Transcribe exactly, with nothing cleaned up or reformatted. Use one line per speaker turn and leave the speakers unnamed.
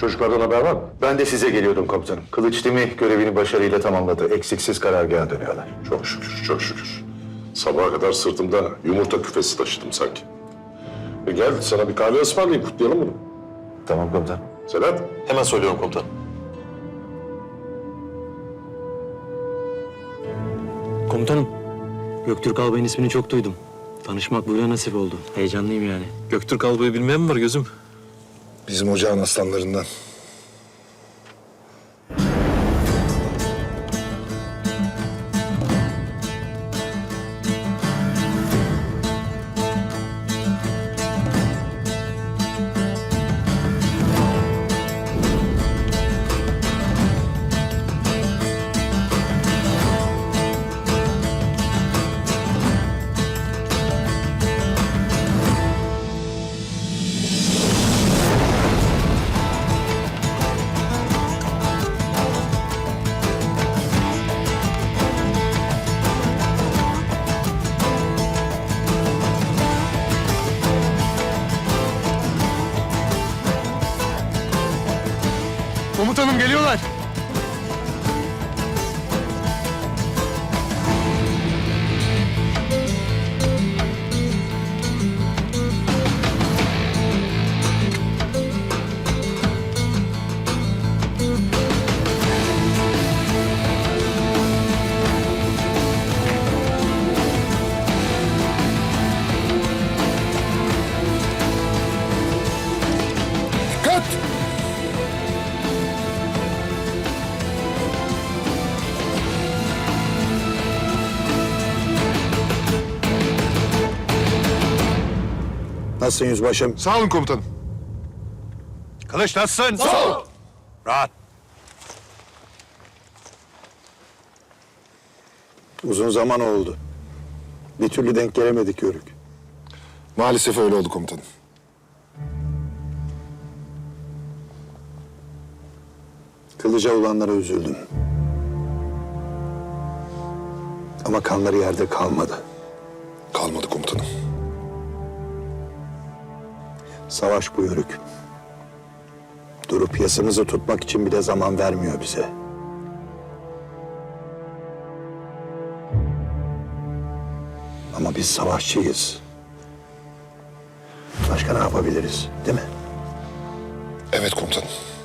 Çocuklardan haber var mı?
Ben de size geliyordum komutanım. Kılıç Dimi görevini başarıyla tamamladı. Eksiksiz karargaha dönüyorlar.
Çok şükür, çok şükür. Sabaha kadar sırtımda yumurta küfesi taşıdım sanki. E gel sana bir kahve ısmarlayayım, kutlayalım bunu.
Tamam komutanım.
Sedat.
Hemen söylüyorum komutanım.
Komutanım, Göktürk Albay'ın ismini çok duydum. Tanışmak böyle nasip oldu. Heyecanlıyım yani.
Göktürk Albay'ı bilmeyen mi var gözüm?
Bizim ocağın aslanlarından.
Komutanım geliyorlar.
Dikkat! Nasılsın yüzbaşım?
Sağ olun komutanım.
Kılıç nasılsın? Sağ ol. Rahat. Uzun zaman oldu. Bir türlü denk gelemedik Yörük.
Maalesef öyle oldu komutanım.
Kılıca olanlara üzüldüm. Ama kanları yerde kalmadı.
Kalmadı komutanım.
Savaş bu Yörük. Durup yasımızı tutmak için bile zaman vermiyor bize. Ama biz savaşçıyız. Başka ne yapabiliriz, değil mi?
Evet komutanım.